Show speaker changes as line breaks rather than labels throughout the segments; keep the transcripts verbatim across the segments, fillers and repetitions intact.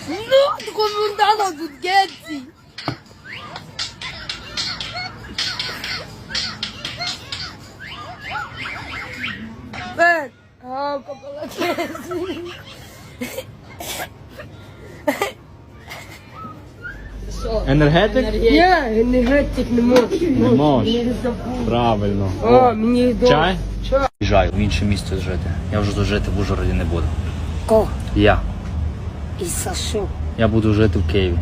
No, comandano Guggetti. Ben, oh, kapalakesi.
Енергетик?
Ні, енергетик не можу.
Не можеш. Правильно.
О, мені до...
Чай?
Чай.
Їжджаю в інше місто жити. Я вже тут жити в Ужгороді не буду.
Ко?
Я.
І за що?
Я буду жити в Києві.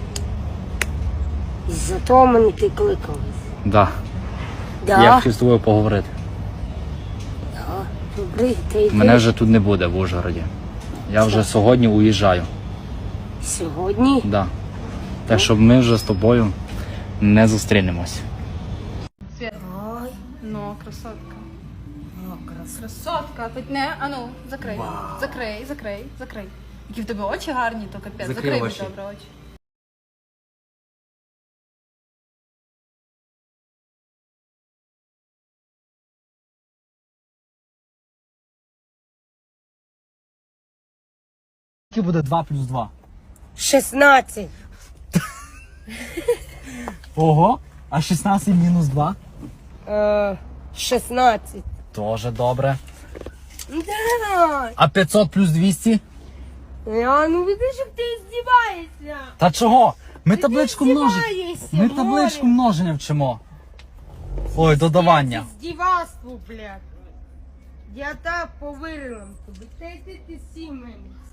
І за того мене ти кликав.
Да.
Да?
Я хотів з тобою поговорити.
Да. Добре, ти йди.
Мене вже тут не буде в Ужгороді. Я вже сьогодні уїжджаю.
Сьогодні?
Да. Так, щоб ми вже з тобою не зустрінемось.
Свет.
Ой,
Ну, красотка.
ну, красиво.
Красотка. Тут не, а ну, закрий. Закрий, закрий, закрий. Які в тебе очі гарні, то капець.
Закрий
Закрий мені
очі.
добре очі.
Скільки буде два плюс два?
шістнадцять.
Ого, а шістнадцять мінус два?
Е, шістнадцять.
Тоже добре.
Да.
А п'ятсот плюс двісті?
Я ну видиш, як ти здіваєшся.
Та чого? Ми табличку множення.
здіваєшся,
Ми табличку
Боря.
множення вчимо. Ой, додавання.
Це здівацтво, блядь. Я так повірила тобі. Та йди ти сі мене.